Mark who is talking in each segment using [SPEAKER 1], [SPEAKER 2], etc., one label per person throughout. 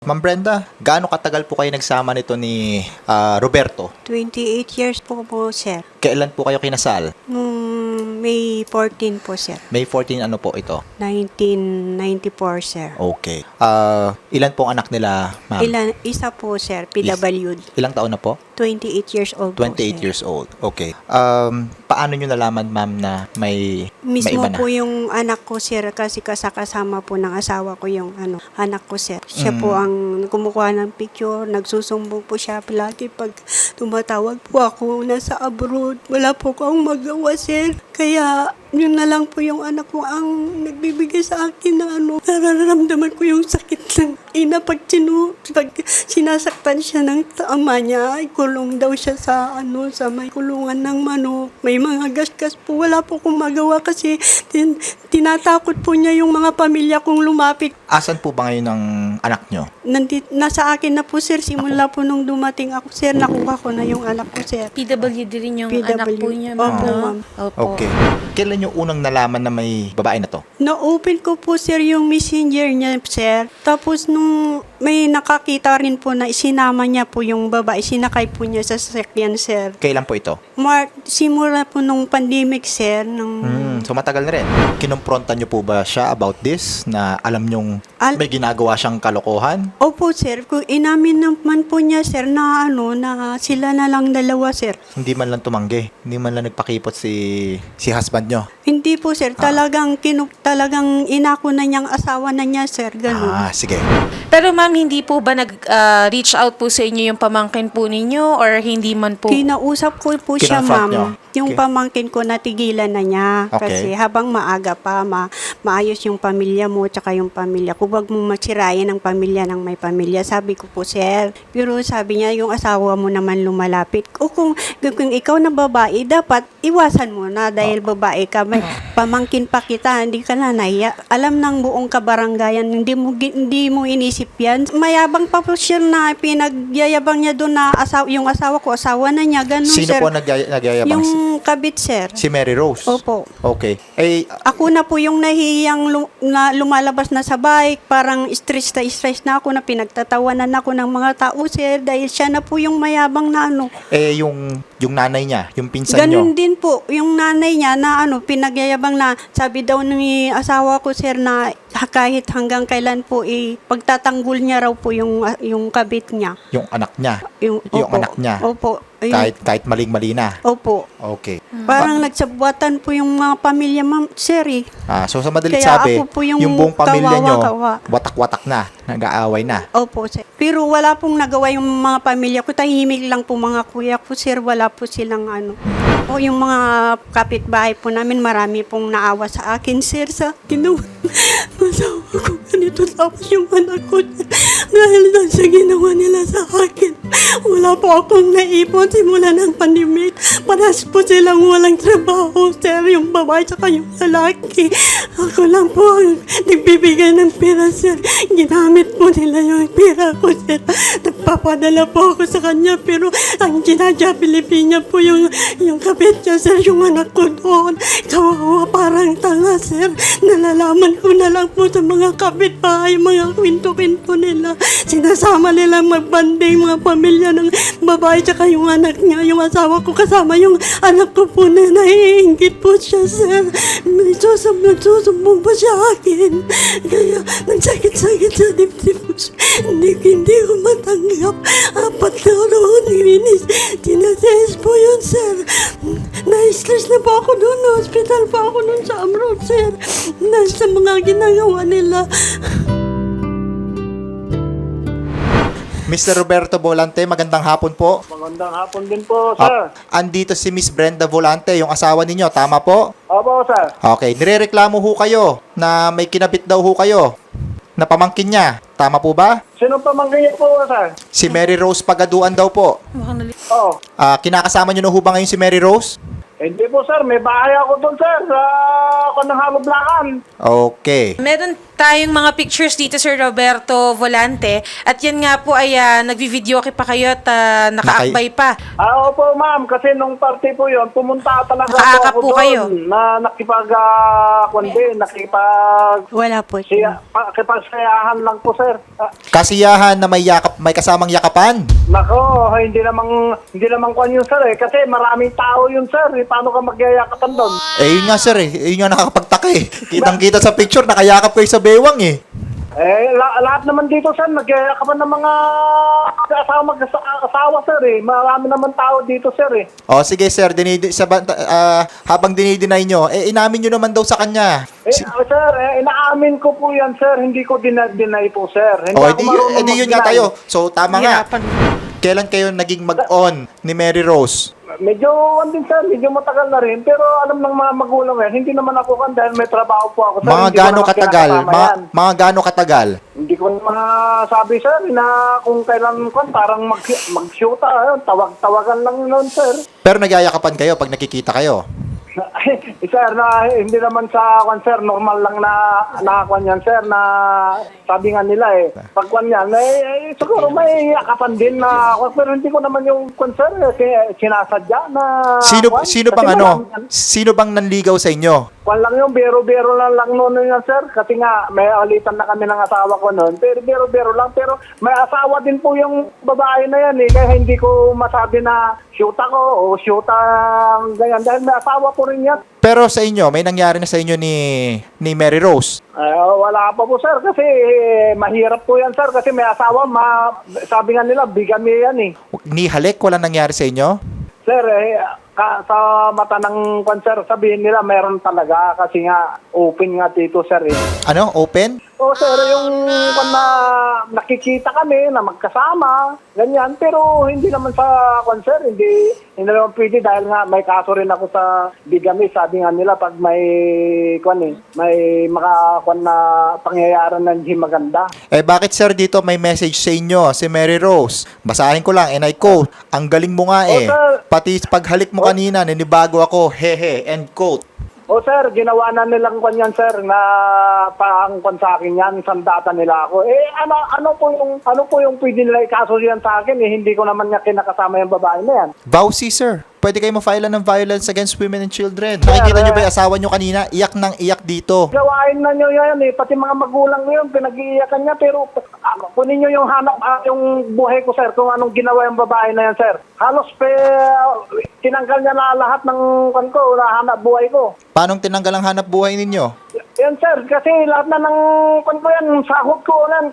[SPEAKER 1] Ma'am Brenda, gaano katagal po kayo nagsama nito ni Roberto?
[SPEAKER 2] 28 years po sir.
[SPEAKER 1] Kailan po kayo kinasal?
[SPEAKER 2] May 14 po, sir.
[SPEAKER 1] May 14 ano po ito?
[SPEAKER 2] 1994, sir.
[SPEAKER 1] Okay. Ilan pong anak nila, ma'am?
[SPEAKER 2] Isa po, sir. PWD.
[SPEAKER 1] Ilang taon na po?
[SPEAKER 2] 28 years old po,
[SPEAKER 1] 28
[SPEAKER 2] sir.
[SPEAKER 1] years old. Okay. Paano nyo nalaman, ma'am, na may
[SPEAKER 2] Mismo
[SPEAKER 1] iba na?
[SPEAKER 2] po yung anak ko, sir, kasi kasama po ng asawa ko yung anak ko, sir. Siya po ang kumukuha ng picture, nagsusumbong po siya palagi pag tumatawag po ako nasa abroad. Wala po akong magawa, sir. Kaya yun na lang po yung anak ko ang nagbibigay sa akin na nararamdaman ko yung sakit ng ina pag sinasaktan siya ng tama niya, ay kulong daw siya sa sa may kulungan ng manok. May mga gasgas po, wala po akong magawa kasi tinatakot po niya yung mga pamilya kong lumapit.
[SPEAKER 1] Asan po ba ngayon ang anak nyo?
[SPEAKER 2] Nasa akin na po, sir, simula po nung dumating ako, sir, nakuha ko na yung anak ko, sir.
[SPEAKER 3] PWD rin yung anak po niya, ma'am.
[SPEAKER 2] Opo,
[SPEAKER 3] no?
[SPEAKER 2] ma'am.
[SPEAKER 3] Opo.
[SPEAKER 1] Okay. Kailan yung unang nalaman na may babae na to?
[SPEAKER 2] Na-open ko po, sir, yung messenger niya, sir. Tapos nung may nakakita rin po na isinama niya po yung babae, sinakay po niya sa sasakyan, sir.
[SPEAKER 1] Kailan po ito?
[SPEAKER 2] Simula po nung pandemic, sir.
[SPEAKER 1] So matagal na rin. Kinumpronta nyo po ba siya about this na alam nyong may ginagawa siyang kalokohan?
[SPEAKER 2] Opo, sir. Kung inamin naman po niya, sir, na na sila na lang dalawa, sir.
[SPEAKER 1] Hindi man lang tumanggi. Hindi man lang nagpakipot si husband nyo.
[SPEAKER 2] Hindi po, sir. Talagang inako na niyang asawa na niya, sir. Ganun.
[SPEAKER 1] Sige.
[SPEAKER 3] Pero ma'am, hindi po ba nag-reach out po sa inyo yung pamangkin po ninyo or hindi man po?
[SPEAKER 2] Kinausap ko po siya,
[SPEAKER 1] Kinonfront
[SPEAKER 2] ma'am.
[SPEAKER 1] niyo?
[SPEAKER 2] Yung
[SPEAKER 1] Okay.
[SPEAKER 2] pamangkin ko natigilan na niya.
[SPEAKER 1] Okay.
[SPEAKER 2] Kasi habang maaga pa, maayos yung pamilya mo tsaka yung pamilya ko. Huwag mong masirayan ang pamilya ng may pamilya. Sabi ko po, sir. Pero sabi niya, yung asawa mo naman lumalapit. O kung ikaw na babae, dapat iwasan mo na dahil babae ka. May pamangkin pa kita, hindi ka na nahiya. Alam ng buong kabaranggayan, hindi mo inisip yan. Mayabang pa po siya na pinagyayabang niya doon na yung asawa ko, asawa na niya. Ganun,
[SPEAKER 1] Sino
[SPEAKER 2] sir.
[SPEAKER 1] po nagyayabang?
[SPEAKER 2] Yung kabit, sir.
[SPEAKER 1] Si Mary Rose?
[SPEAKER 2] Opo.
[SPEAKER 1] Okay.
[SPEAKER 2] Ako na po yung nahihiyang na lumalabas na sa bike, parang stress na ako na pinagtatawanan ako ng mga tao, sir, dahil siya na po yung mayabang na
[SPEAKER 1] yung nanay niya, yung pinsan nyo.
[SPEAKER 2] Ganun din po, yung nanay niya na pinagyayabang na sabi daw ng asawa ko, sir, na kahit hanggang kailan po pagtatanggol niya raw po yung kabit niya.
[SPEAKER 1] Yung anak niya. Yung
[SPEAKER 2] opo,
[SPEAKER 1] anak niya.
[SPEAKER 2] Opo.
[SPEAKER 1] Kahit maling-mali na.
[SPEAKER 2] Opo.
[SPEAKER 1] Okay.
[SPEAKER 2] Parang nagsabuatan po yung mga pamilya, ma'am, sir,
[SPEAKER 1] So sa madalit
[SPEAKER 2] Kaya
[SPEAKER 1] sabi,
[SPEAKER 2] ako po yung
[SPEAKER 1] buong pamilya nyo,
[SPEAKER 2] kawawa.
[SPEAKER 1] watak-watak na, nag-aaway na.
[SPEAKER 2] Opo, sir. Pero wala pong nagawa yung mga pamilya ko. Tahimik lang po mga kuya ko, sir. Wala po silang O yung mga kapitbahay po namin, marami pong naawa sa akin, sir. Sa ginawa. Masawa ko ganito. Tapos yung anak ko, dahil sa ginawa nila sa akin. Wala po akong naipon simula ng pandemic. Paras po silang walang trabaho, sir. Yung babae tsaka yung lalaki. Ako lang po ang nagbibigay ng pera, sir. Ginamit po nila yung pera ko, sir. Nagpapadala po ako sa kanya, pero ang Pilipina po yung kapit niya, sir, yung anak ko doon. Kawawa, parang tanga, sir. Nalalaman ko na lang po sa mga kapitbahay, mga kwento-kwento nila. Sinasama nila magbanding mga pamilya ng babae tsaka yung anak niya. Yung asawa ko kasama yung anak ko po na naiingit po siya, sir. Nagsusumbong pa siya akin. Kaya nagsakit-sakit sa dibdib ko siya. Hindi ko matanggap. 4 na roon. Tinases po yun, sir. Na-stress na po ako doon. Hospital pa ako doon sa abroad, sir. Sa mga ginagawa nila.
[SPEAKER 1] Mr. Roberto Volante, magandang hapon po.
[SPEAKER 4] Magandang hapon din po, sir.
[SPEAKER 1] Andito si Miss Brenda Volante, yung asawa ninyo, tama po?
[SPEAKER 4] Opo, sir.
[SPEAKER 1] Okay, nirereklamo ho kayo na may kinabit daw ho kayo na pamangkin niya. Tama po ba?
[SPEAKER 4] Sino pamangkin niyo po, sir?
[SPEAKER 1] Si Mary Rose Pagaduan daw po.
[SPEAKER 4] Oo.
[SPEAKER 1] Kinakasama niyo na ho ba ngayon si Mary Rose?
[SPEAKER 4] Hindi po, sir. May bahay ako doon, sir. Sa Kanang Haloblakan.
[SPEAKER 1] Okay.
[SPEAKER 3] Meron tayong mga pictures dito, Sir Roberto Volante. At yan nga po ay nagvi-video pa kayo at nakaakbay pa.
[SPEAKER 4] Opo, ma'am. Kasi nung party po yun, pumunta talaga
[SPEAKER 3] Nakaakap
[SPEAKER 4] ako
[SPEAKER 3] po kayo.
[SPEAKER 4] doon na
[SPEAKER 2] Wala po siya.
[SPEAKER 4] nakipagsayahan lang po, sir.
[SPEAKER 1] Kasiyahan na may kasamang yakapan.
[SPEAKER 4] Nako, hindi naman kwan yun, sir, eh. Kasi maraming tao yun, sir. Eh, paano ka magyayakapan doon?
[SPEAKER 1] Yun nga sir yun nga nakakapagtaka Kitang-kita sa picture, nakayakap kayo sa bewang
[SPEAKER 4] Lahat naman dito, sir, nagyayakapan ng mga asawa, sir, eh. Marami naman tao dito, sir, eh.
[SPEAKER 1] O sige sir, habang dinideny nyo, inamin nyo naman daw sa kanya.
[SPEAKER 4] Sir, inaamin ko po yan, sir. Hindi ko deny po, sir. Hindi ako marunong
[SPEAKER 1] edi yun nga
[SPEAKER 4] mag-deny.
[SPEAKER 1] tayo. So tama nga.
[SPEAKER 3] Hirapan.
[SPEAKER 1] Kailan kayo naging mag-on ni Mary Rose?
[SPEAKER 4] Medyo, medyo matagal na rin. Pero alam ng mga magulang hindi naman ako dahil may trabaho po ako, sir.
[SPEAKER 1] Mga
[SPEAKER 4] Hindi ko
[SPEAKER 1] gaano
[SPEAKER 4] naman
[SPEAKER 1] katagal?
[SPEAKER 4] kinakasama yan.
[SPEAKER 1] Mga gaano katagal?
[SPEAKER 4] Hindi ko masabi, sir, na kung kailan parang mag-shoota. Tawag-tawagan lang noon, sir.
[SPEAKER 1] Pero nagyayakapan kayo pag nakikita kayo.
[SPEAKER 4] Sir, hindi naman sa sir, normal lang na kwan yan, sir, na sabi nga nila pag kwan yan, siguro may yakapan din na pero hindi ko naman yung kwan, sir, sinasadya na kwan.
[SPEAKER 1] Sino bang nanligaw sa inyo?
[SPEAKER 4] Kwan lang yung bero-bero lang noon yan, sir, kasi nga may alitan na kami ng asawa ko noon, pero bero-bero lang, pero may asawa din po yung babae na yan, kaya hindi ko masabi na shoot ako o shoot ang ganyan, dahil may asawa po rin yan.
[SPEAKER 1] Pero sa inyo, may nangyari na sa inyo ni Mary Rose?
[SPEAKER 4] Wala pa po, sir, kasi mahirap po yan, sir, kasi may asawa, sabi nga nila, bigami yan
[SPEAKER 1] Ni halik, wala nangyari sa inyo?
[SPEAKER 4] Sir, sa mata ng sir, sabihin nila meron talaga kasi nga open nga dito, sir.
[SPEAKER 1] Ano? Open?
[SPEAKER 4] O sir, yung na nakikita kami na magkasama, ganyan, pero hindi naman sa sir, hindi naman pwede dahil nga may kaso rin ako sa bigami. Sabi nga nila pag may may na pangyayari na hindi maganda.
[SPEAKER 1] Bakit sir dito may message sa inyo si Mary Rose? Basahin ko lang, and I quote, "Ang galing mo nga
[SPEAKER 4] sir.
[SPEAKER 1] Pati paghalik mo kanina, ninibago ako, hehe," end quote.
[SPEAKER 4] O sir, ginawa na nilang yan, sir, na paangkon sa akin yan, sandata nila ako. Ano po yung pwede nila ikaso yan sa akin, hindi ko naman niya kinakasama yung babae na yan.
[SPEAKER 1] Vowsy sir, pwede kayo ma-file ng violence against women and children. Nakikita nyo ba yung asawa nyo kanina? Iyak ng iyak dito.
[SPEAKER 4] Gawain na nyo yan pati mga magulang nyo yun, pinag-iiyakan niya, pero kunin nyo yung yung buhay ko, sir, kung anong ginawa yung babae na yan, sir. Halos tinanggal niya na lahat ng hanap buhay ko.
[SPEAKER 1] Paano tinanggal ang hanap buhay ninyo?
[SPEAKER 4] Yan, sir, kasi lahat na ng sahod ko yan,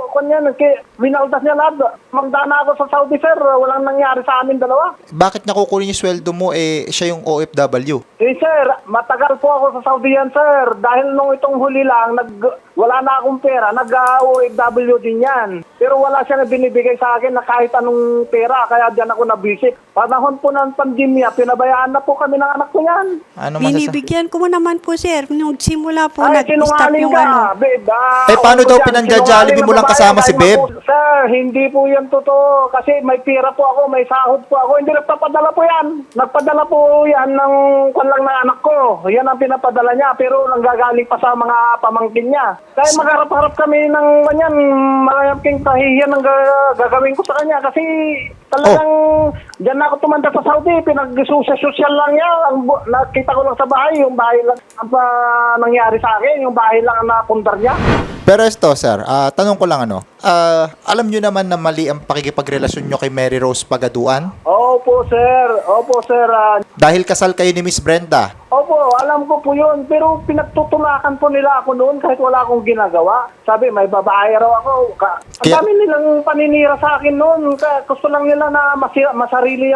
[SPEAKER 4] winaldas niya lahat. Magdana ako sa Saudi, sir, walang nangyari sa amin dalawa.
[SPEAKER 1] Bakit nakukunin yung sweldo mo siya yung OFW?
[SPEAKER 4] Sir, matagal po ako sa Saudi yan, sir. Dahil nung itong huli lang, wala na akong pera, nag-OFW din yan. Pero wala siya na binibigay sa akin na kahit anong pera, kaya diyan ako nabisik. Panahon po ng pandemya, pinabayaan na po kami ng anak ko yan.
[SPEAKER 1] Ano
[SPEAKER 2] Binibigyan ko naman po, sir. Nung simula po,
[SPEAKER 4] Ay,
[SPEAKER 2] nag-stop
[SPEAKER 4] sinungaling
[SPEAKER 2] yung
[SPEAKER 4] ka, babe.
[SPEAKER 1] paano daw
[SPEAKER 4] Dyan,
[SPEAKER 1] pinangja-jollibee mo lang kasama si
[SPEAKER 4] sinungaling
[SPEAKER 1] Babe?
[SPEAKER 4] naman po. Sir, hindi po yan totoo. Kasi may pira po ako, may sahod po ako. Hindi nagpapadala po yan. Nagpadala po yan ng lang ng anak ko. Yan ang pinapadala niya. Pero nanggagaling pa sa mga pamangkin niya. Kaya magharap-harap kami ng ganyan. Malaking kahihiyan ang gagawin ko sa kanya. Kasi talagang dyan na ako tumanda sa Saudi. Pinag-social lang niya. Nakita ko lang sa bahay. Yung bahay lang ang nangyari sa akin. Yung bahay lang ang napundar niya.
[SPEAKER 1] Pero ito, sir, tanong ko lang alam nyo naman na mali ang pakikipagrelasyon nyo kay Mary Rose Pagaduan?
[SPEAKER 4] Opo, sir. Opo, sir.
[SPEAKER 1] Dahil kasal kayo ni Miss Brenda.
[SPEAKER 4] Opo, alam ko po yun. Pero pinagtutulakan po nila ako noon kahit wala akong ginagawa. Sabi, may babae raw ako. Ang dami nilang paninira sa akin noon. Gusto lang nila na masarili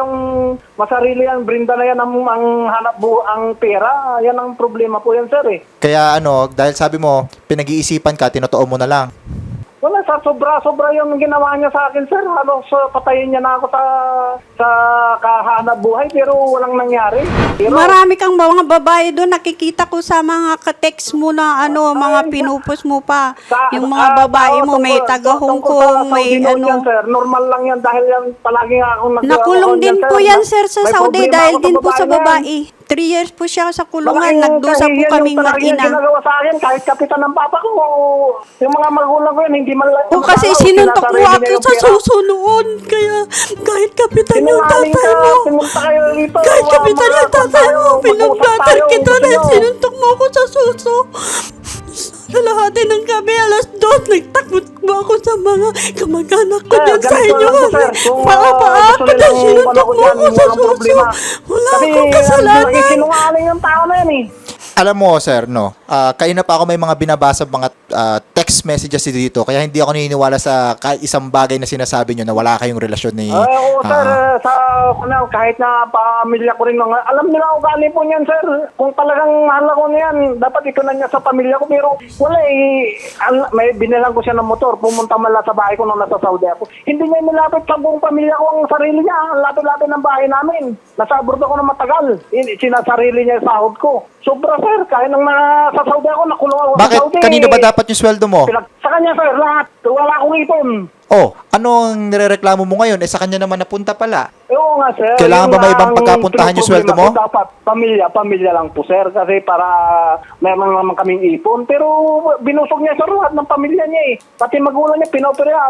[SPEAKER 4] ang Brenda na yan ang hanap ang pera. Yan ang problema po yan, sir.
[SPEAKER 1] Kaya dahil sabi mo, pinag-iisipan ka, tinotoo mo na lang.
[SPEAKER 4] Wala sa sobra-sobra yung ginawa niya sa akin, sir. Halos patayin niya na ako sa kahanap buhay, pero walang nangyari. Pero,
[SPEAKER 2] Marami kang mga babae doon, nakikita ko sa mga ka-text mo na mga pinupos mo pa. Yung mga babae mo, may taga-Hong Kong, may
[SPEAKER 4] Yan, sir. Normal lang yan dahil yan palagi nga akong
[SPEAKER 2] Nakulong din po yan, sir, sa
[SPEAKER 4] May
[SPEAKER 2] Saudi
[SPEAKER 4] problema
[SPEAKER 2] dahil
[SPEAKER 4] ako sa
[SPEAKER 2] din po sa
[SPEAKER 4] babae na yan.
[SPEAKER 2] babae. 3 years po siya sa kulungan.
[SPEAKER 4] Malaking
[SPEAKER 2] Nagdusa po
[SPEAKER 4] kahihiyan
[SPEAKER 2] kaming
[SPEAKER 4] yung palagi
[SPEAKER 2] mag-ina.
[SPEAKER 4] ginagawa sa akin, kahit kapitan ng papa ko, yung mga magulang ko yan, hindi man lang.
[SPEAKER 2] O kasi sinuntok mo ako sa suso noon. Kaya kahit kapitan yung tatay mo.
[SPEAKER 4] Pumunta kayo dito.
[SPEAKER 2] Kahit kapitan yung tatay mo.
[SPEAKER 4] Mag-usap
[SPEAKER 2] Pinag-blatter
[SPEAKER 4] tayo,
[SPEAKER 2] kita
[SPEAKER 4] gusto
[SPEAKER 2] na
[SPEAKER 4] nyo.
[SPEAKER 2] sinuntok mo ako sa suso. Sa lahat ng gabi, alas 2, nagtakot mo ako sa mga kamag-anak ko
[SPEAKER 4] Sir,
[SPEAKER 2] dyan sa
[SPEAKER 4] ganito
[SPEAKER 2] inyo.
[SPEAKER 4] lang po, sir. Kung,
[SPEAKER 2] Paa-paa
[SPEAKER 4] gusto
[SPEAKER 2] ka na
[SPEAKER 4] nilang
[SPEAKER 2] sinuntok mo
[SPEAKER 4] dyan,
[SPEAKER 2] ako sa
[SPEAKER 4] walang
[SPEAKER 2] suso.
[SPEAKER 4] problema.
[SPEAKER 2] Wala
[SPEAKER 4] Kasi,
[SPEAKER 2] akong kasalanan.
[SPEAKER 4] sinungaling yung tao na yan eh.
[SPEAKER 1] Alam mo, sir, no, kanina pa ako may mga binabasa mga text messages dito, kaya hindi ako naniniwala sa kahit isang bagay na sinasabi nyo na wala kayong relasyon ni...
[SPEAKER 4] Oo, sir. Kahit na pamilya ko rin. Alam nila ugali po niyan, sir. Kung talagang mahal ako niyan, dapat ito na niya sa pamilya ko. Pero wala eh. May binilang ko siya ng motor. Pumunta man lang sa bahay ko nung nasa Saudi ako. Hindi niya nilapit sa buong pamilya ko ang sarili niya. Ang lapit-lapit ng bahay namin. Nasa abroad ako na matagal. Sinasarili niya yung sahod ko. Sobra, sir. Kahit nung nasa Saudi ako, nakulong ako
[SPEAKER 1] Bakit?
[SPEAKER 4] sa Saudi.
[SPEAKER 1] Kanino ba dapat yung sweldo mo?
[SPEAKER 4] Sa kanya, sir. Lahat. Wala akong ipon.
[SPEAKER 1] Oh, anong nirereklamo mo ngayon? Sa kanya naman napunta pala.
[SPEAKER 4] Oo nga, sir.
[SPEAKER 1] Kailangan
[SPEAKER 4] Yun
[SPEAKER 1] ba may
[SPEAKER 4] nga
[SPEAKER 1] ibang
[SPEAKER 4] ang
[SPEAKER 1] pagkapuntahan yung sweldo mo?
[SPEAKER 4] problema ko. Dapat pamilya lang po, sir. Kasi para meron naman kaming ipon. Pero binusog niya sa lahat ng pamilya niya eh. Pati magulang niya, pinopera.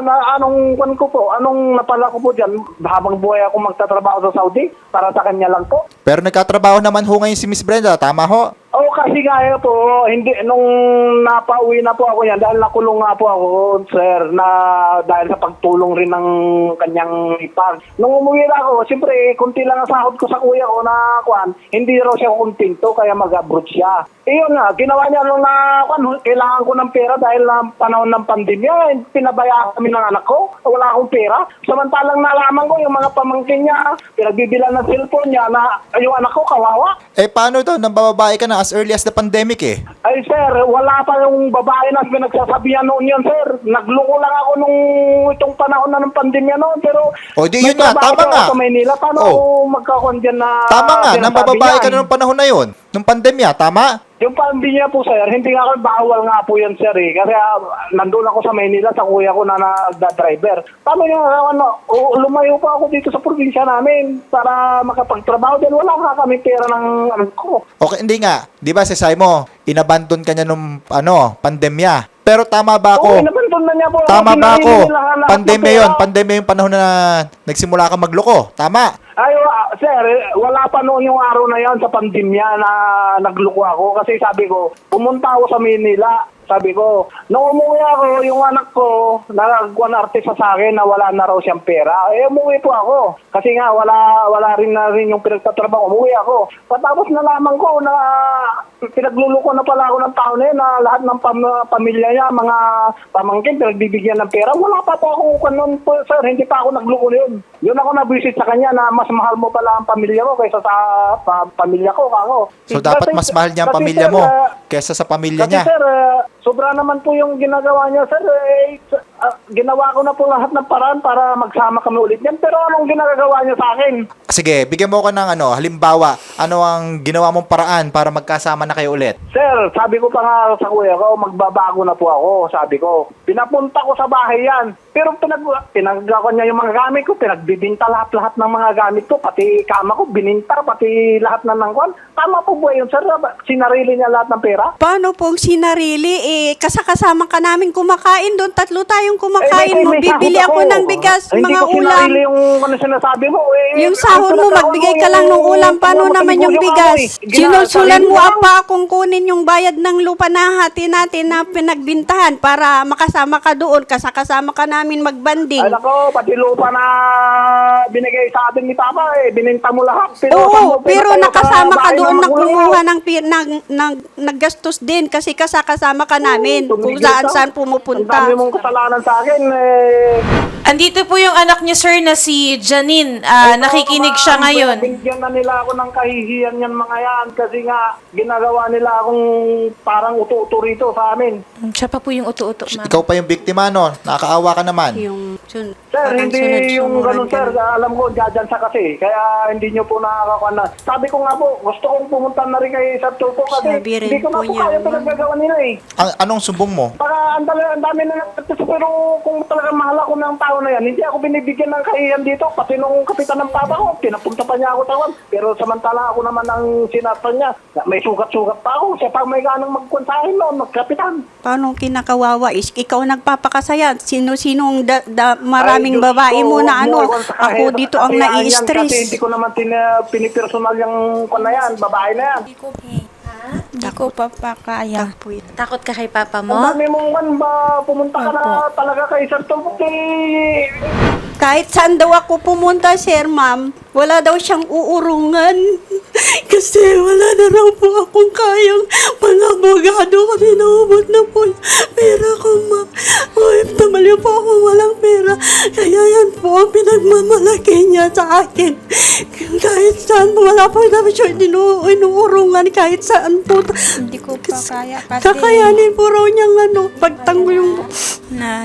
[SPEAKER 4] Anong napala ko po dyan? Habang buhay ako magtatrabaho sa Saudi, para sa kanya lang po.
[SPEAKER 1] Pero nagkatrabaho naman ho ngayon si Miss Brenda, tama ho?
[SPEAKER 4] Oo, kasi gaya po, hindi, nung napauwi na po ako yan, dahil nakulong nga po ako, sir, na dahil sa pagtulong rin ng kanyang ipag. Nung umuwi na ako, siyempre, kunti lang ang sahod ko sa kuya ko na, hindi raw siya kontento, kaya mag-abroad siya. Yun nga, ginawa niya nung kailangan ko ng pera dahil na panahon ng pandemya, pinabayaan kami ng anak ko, wala akong pera. Samantalang nalaman ko yung mga pamangkin niya, pinagbibilan ng cellphone niya na yung anak ko kawawa.
[SPEAKER 1] Paano daw? Nang bababae ka na as early as the pandemic eh.
[SPEAKER 4] Ay sir, wala pa yung babae na pinagsasabihan noon yan sir. Nagloko lang ako nung itong panahon na ng pandemya noon. Pero
[SPEAKER 1] O, di yun nga,
[SPEAKER 4] nagtrabaho
[SPEAKER 1] tama
[SPEAKER 4] ako
[SPEAKER 1] nga.
[SPEAKER 4] Sa Maynila, paano magkakaroon dyan na...
[SPEAKER 1] Tama nga, nang
[SPEAKER 4] sinasabi
[SPEAKER 1] bababae ka
[SPEAKER 4] niyan?
[SPEAKER 1] na nung panahon na yun. Nung pandemya, tama?
[SPEAKER 4] Yung pandemya po sir, hindi nga ako bawal nga po yan sir eh. Kasi nandun ako sa Maynila, sa kuya ko na nagda-driver. Paano yung lumayo pa ako dito sa probinsya namin para makapagtrabaho. Dahil wala nga kami pera ng ko.
[SPEAKER 1] Okay, hindi nga. Di ba, sisay mo, inabandon ka niya nung, pandemya. Pero tama ba
[SPEAKER 4] Oo,
[SPEAKER 1] ako?
[SPEAKER 4] inabandon na niya po.
[SPEAKER 1] Tama ba
[SPEAKER 4] Pinarili
[SPEAKER 1] ako?
[SPEAKER 4] nila lahat ng
[SPEAKER 1] Pandemya
[SPEAKER 4] pera.
[SPEAKER 1] yun. Pandemya yung panahon na nagsimula ka magloko. Tama?
[SPEAKER 4] Ay, sir, wala pa noon yung araw na yan sa pandemya na nagluko ako. Kasi sabi ko, pumunta ako sa Manila. Sabi ko, nung umuwi ako, yung anak ko, nagkuhan artista sa akin na wala na raw siyang pera. Umuwi po ako. Kasi nga, wala rin na rin yung pinagtatrabaho. Umuwi ako. Patapos nalaman ko na pinagluluko na pala ako ng tao na yun, na lahat ng pamilya niya, mga pamangkin, pinagbibigyan ng pera. Wala pa po ako kanon po, sir. Hindi pa ako nagluko na yun. Yun ako na-visit sa kanya na mas mahal mo pala ang pamilya mo kaysa sa pamilya ko. Ako.
[SPEAKER 1] So, dapat mas mahal niya ang
[SPEAKER 4] Kasi,
[SPEAKER 1] pamilya
[SPEAKER 4] sir,
[SPEAKER 1] mo kaysa sa pamilya
[SPEAKER 4] kasi
[SPEAKER 1] niya.
[SPEAKER 4] sir, sobra naman po yung ginagawa niya, sir. Ginawa ko na po lahat ng paraan para magsama kami ulit yan. Pero anong ginagawa niya sa akin?
[SPEAKER 1] Sige, bigyan mo ko ng halimbawa, ano ang ginawa mong paraan para magkasama na kayo ulit?
[SPEAKER 4] Sir, sabi ko pa nga sa kuya ko, magbabago na po ako, sabi ko. Pinapunta ko sa bahay yan. Pero pinagawa niya yung mga gamit ko, pinagbibinta lahat-lahat ng mga gamit ko, pati kama ko, bininta, pati lahat na ng kwan. Tama po ba yun, sir? Sinarili niya lahat ng pera?
[SPEAKER 2] Paano pong sinarili? Kasakasama ka namin kumakain doon. 3 tayong kumakain mo.
[SPEAKER 4] may
[SPEAKER 2] Bibili
[SPEAKER 4] sahod
[SPEAKER 2] ako ng bigas,
[SPEAKER 4] Hindi
[SPEAKER 2] mga
[SPEAKER 4] ko
[SPEAKER 2] ulam.
[SPEAKER 4] sinarili yung sinasabi mo.
[SPEAKER 2] Yung sahod mo, magbigay ka lang ng ulam. Paano naman yung bigas? Sinusulan mo pa kung kunin yung bayad ng lupa na hati natin na pinagbintahan para makasama ka doon. Kasakasama ka namin magbanding.
[SPEAKER 4] Ay nako, pati lupa na binigay sa atin ni Papa, bininta mo lahat.
[SPEAKER 2] Oo, pero nakasama ka doon na kumuha ng naggastos din kasi kasama ka namin kung saan
[SPEAKER 4] Ang
[SPEAKER 2] pumupunta.
[SPEAKER 4] dami mong kasalanan sa akin.
[SPEAKER 3] Andito po yung anak niya, sir, na si Janine. Nakikinig siya ngayon.
[SPEAKER 4] Binigyan na nila ako ng kahihiyan yan mga yan kasi nga ginagawa nila akong parang uto-uto rito sa amin.
[SPEAKER 3] Siya pa po yung uto-uto, ma'am.
[SPEAKER 1] Ikaw pa yung biktima, no? Nakakaawa ka naman.
[SPEAKER 2] Yung
[SPEAKER 4] Sir,
[SPEAKER 2] parang
[SPEAKER 4] hindi yung ganun, sir. Alam ko, dyan sa kasi. Kaya hindi nyo po nakakakuha na. Sabi ko nga po, gusto kong pumunta na rin kay Sir Tulfo kasi
[SPEAKER 2] Sabi rin
[SPEAKER 4] hindi ko na
[SPEAKER 2] po
[SPEAKER 4] po
[SPEAKER 2] niya,
[SPEAKER 4] kaya
[SPEAKER 2] ma'am.
[SPEAKER 4] pinagagawa nila eh.
[SPEAKER 1] Anong sumbong mo?
[SPEAKER 4] Para ang dami na nagtatuso pero kung talagang mahal ako ng tao na yan, hindi ako binibigyan ng kahiyan dito. Pati nung kapitan ng papa ko, pinapunta pa niya ako tawag. Pero samantala ako naman ang sinatan niya. May sugat-sugat pa ako. Siya pa may ganang magkonsahin noon, magkapitan.
[SPEAKER 2] paano kinakawawa is ikaw nagpapakasaya. Sino-sinong maraming
[SPEAKER 4] Ay, Diyos
[SPEAKER 2] babae
[SPEAKER 4] ko,
[SPEAKER 2] mo na
[SPEAKER 4] huwag
[SPEAKER 2] ano.
[SPEAKER 4] mo akong sakahin.
[SPEAKER 2] Ako dito ang
[SPEAKER 4] Kasi yan, Kasi
[SPEAKER 2] nai-stress.
[SPEAKER 4] hindi ko naman pinipersonal yung kwan na yan, babae na yan.
[SPEAKER 5] Hindi ko pa kaya.
[SPEAKER 3] Takot ka kay papa
[SPEAKER 4] Ang
[SPEAKER 3] mo?
[SPEAKER 4] dami mong man ba pumunta ka na talaga kay Sir Tulfo eh.
[SPEAKER 2] Kahit saan daw ako pumunta, sir, ma'am, wala daw siyang uurungan. Kasi wala na raw po akong kayang pang-abogado kasi naubot na po yung pera ko, ma'am. OFW po ako, walang pera. Kaya yan po ang pinagmamalaki niya sa akin. Kahit saan, wala po namin siya inuurungan kahit saan po.
[SPEAKER 5] Hindi ko pa kaya kasi
[SPEAKER 2] Kakayanin po raw niyang pagtanggol yung
[SPEAKER 5] na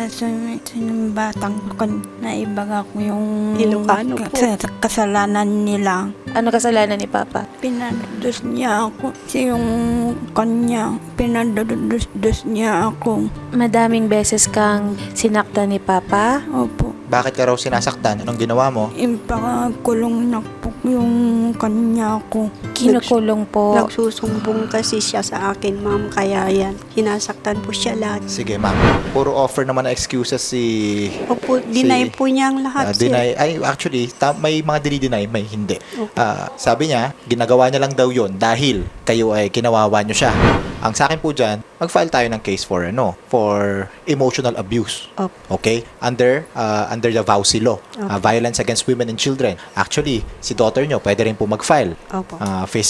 [SPEAKER 5] batang kon na ibaga ko yung
[SPEAKER 2] Ilocano po.
[SPEAKER 5] kasalanan nila.
[SPEAKER 3] Ano kasalanan ni papa?
[SPEAKER 5] Pinadados niya ako. Kasi yung kanya, pinadados niya ako.
[SPEAKER 3] Madaming beses kang sinakta ni papa?
[SPEAKER 5] Opo.
[SPEAKER 1] Bakit ka raw sinasaktan? Anong ginawa mo?
[SPEAKER 5] Ipakulong na po yung kanya ko.
[SPEAKER 3] Kinukulong po.
[SPEAKER 2] nagsusumbong kasi siya sa akin, ma'am. Kaya yan, sinasaktan po siya lagi.
[SPEAKER 1] Sige, ma'am. Puro offer naman na excuses si...
[SPEAKER 2] Opo, deny po niya ang lahat, sir.
[SPEAKER 1] deny. Ay, actually, may mga dinideny, may hindi. Sabi niya, ginagawa niya lang daw yon dahil kayo ay kinawawa niyo siya. Ang sa akin po dyan, mag-file tayo ng case for emotional abuse.
[SPEAKER 2] Opo.
[SPEAKER 1] Okay? Under the VAUSI law. Violence against women and children. Actually, si daughter nyo, pwede rin po mag-file.
[SPEAKER 2] Opo.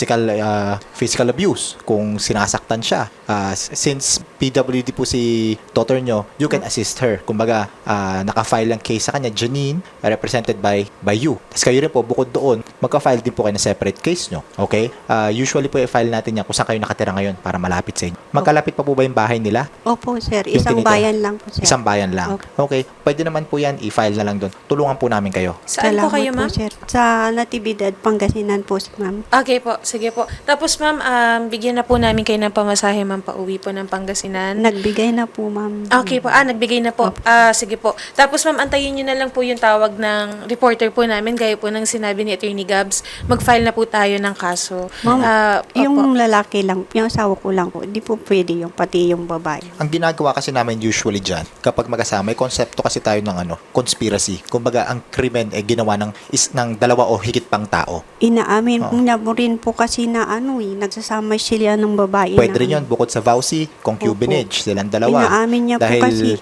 [SPEAKER 1] Physical abuse kung sinasaktan siya. Since PWD po si daughter nyo, you can assist her. Kumbaga, naka-file ang case sa kanya, Janine, represented by you. Tapos kayo rin po, bukod doon, magka-file din po kayo na separate case nyo. Okay? Usually po, i-file natin yan kung saan kayo nakatira ngayon para malapit sa inyo. Magkalapit pa po ba yung bahay nila?
[SPEAKER 2] Opo, sir.
[SPEAKER 1] Yung
[SPEAKER 2] Isang
[SPEAKER 1] tinitira?
[SPEAKER 2] bayan lang po, sir.
[SPEAKER 1] Isang bayan lang. Okay. Pwede naman po yan, i-file na lang doon. Tulungan po namin kayo.
[SPEAKER 3] Saan po kayo, ma'am?
[SPEAKER 2] sir. Sa Natividad, Pangasinan po, ma'am.
[SPEAKER 3] Okay po, sige po. Tapos ma'am, bigyan na po namin kayo ng pamasahe, ma'am, pauwi po ng Pangasinan.
[SPEAKER 2] Nagbigay na po, ma'am.
[SPEAKER 3] Okay po. Nagbigay na po. Sige po. Tapos ma'am, antayin nyo na lang po yung tawag ng reporter po namin. Gaya po ng sinabi ni Attorney Gabs, mag-file na po tayo ng kaso.
[SPEAKER 2] Ma'am,
[SPEAKER 3] Opo.
[SPEAKER 2] yung lalaki lang, yung asawa ko lang po, di po pwede yung pati yung babae.
[SPEAKER 1] Ang ginagawa kasi namin usually dyan, kapag magkasama, may konsepto kasi tayo ng conspiracy. Kumbaga, ang krimen ay ginawa ng dalawa o higit pang tao.
[SPEAKER 2] Inaamin niya mo rin po kasi na nagsasama sila ng babae.
[SPEAKER 1] Pwede rin yun, bukod sa VAUSI, concubinage, silang dalawa.
[SPEAKER 2] Inaamin niya po kasi.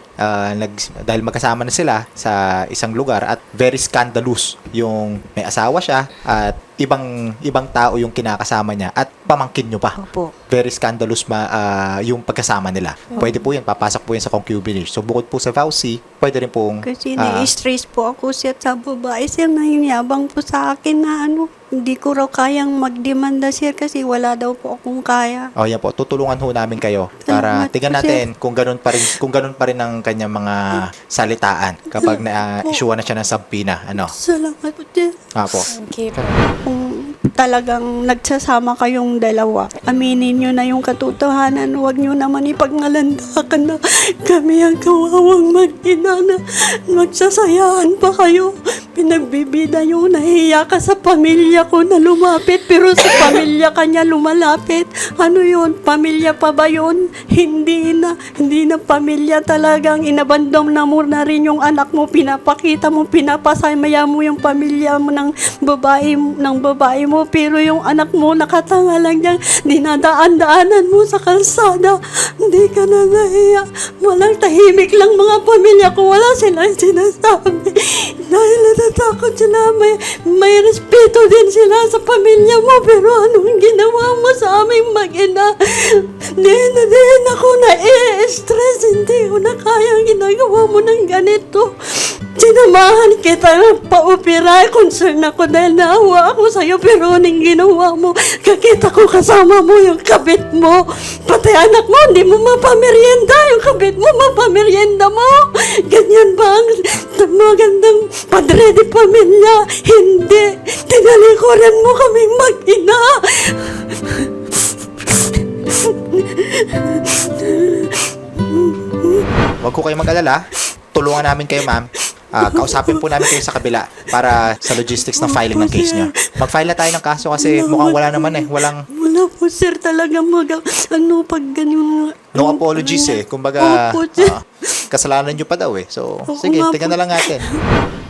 [SPEAKER 1] Dahil magkasama na sila sa isang lugar at very scandalous yung may asawa siya at ibang tao yung kinakasama niya at pamangkin nyo pa.
[SPEAKER 2] Opo.
[SPEAKER 1] Very scandalous yung pagkasama nila. Pwede po yan, papasok po yan sa concubinage. So bukod po sa VAUSI, pwede rin pong
[SPEAKER 2] Kasi na-stress po ako siya sa babae. Sir, nahiyabang po sa akin na hindi ko raw kayang magdemanda, sir, kasi wala daw po akong kaya.
[SPEAKER 1] yan po, tutulungan ho namin kayo para
[SPEAKER 2] Salamat
[SPEAKER 1] tingnan
[SPEAKER 2] po,
[SPEAKER 1] natin kung ganun pa rin ang kanyang mga salitaan kapag na-issue na siya ng subpoena.
[SPEAKER 2] Salamat po, sir.
[SPEAKER 1] Po.
[SPEAKER 3] Okay po.
[SPEAKER 2] Kung talagang nagsasama kayong dalawa, aminin nyo na yung katotohanan. Huwag nyo naman ipagnalandakan na kami ang kawawang mag-ina na magsasayaan pa kayo. Pinagbibida nyo, nahiya ka sa pamilya ko na lumapit, pero sa pamilya kanya lumalapit. Ano yun? Pamilya pa ba yun? Hindi na pamilya talagang inabandom na mo na rin yung anak mo, pinapakita mo, pinapasaya mo yung pamilya mo ng babae mo, pero yung anak mo nakatanga lang dyan, dinadaan-daanan mo sa kalsada, hindi ka na nahiya. Walang tahimik lang mga pamilya ko, wala silang sinasabi dahil natatakot sila, may respeto din sila sa pamilya mo, pero anong ginawa mo sa aming mag-ina? Din ako na stress, hindi ko na kayang ginagawa mo ng ganito. Sinamahan kita ng paupira. Concern ako dahil naawa ako sa'yo. Pero anong ginawa mo? Kakita ko kasama mo yung kabit mo. Pati anak mo, hindi mo mapamerienda. Yung kabit mo, mapamerienda mo. Ganyan ba ang magandang padre de pamilya? Hindi. Tinalikuran mo kaming mag-ina.
[SPEAKER 1] Huwag ko kayo mag-alala. Tulungan namin kayo, ma'am. Kausapin po namin kayo sa kabila para sa logistics ng filing ng case nyo. Mag-file na tayo ng kaso kasi mukhang wala naman eh.
[SPEAKER 2] Wala po, sir, talaga pag ganyan.
[SPEAKER 1] No apologies eh. Kumbaga,
[SPEAKER 2] Opo, sir.
[SPEAKER 1] kasalanan nyo pa daw eh. So,
[SPEAKER 2] Oo
[SPEAKER 1] sige,
[SPEAKER 2] nga
[SPEAKER 1] tingnan
[SPEAKER 2] po.
[SPEAKER 1] na lang natin.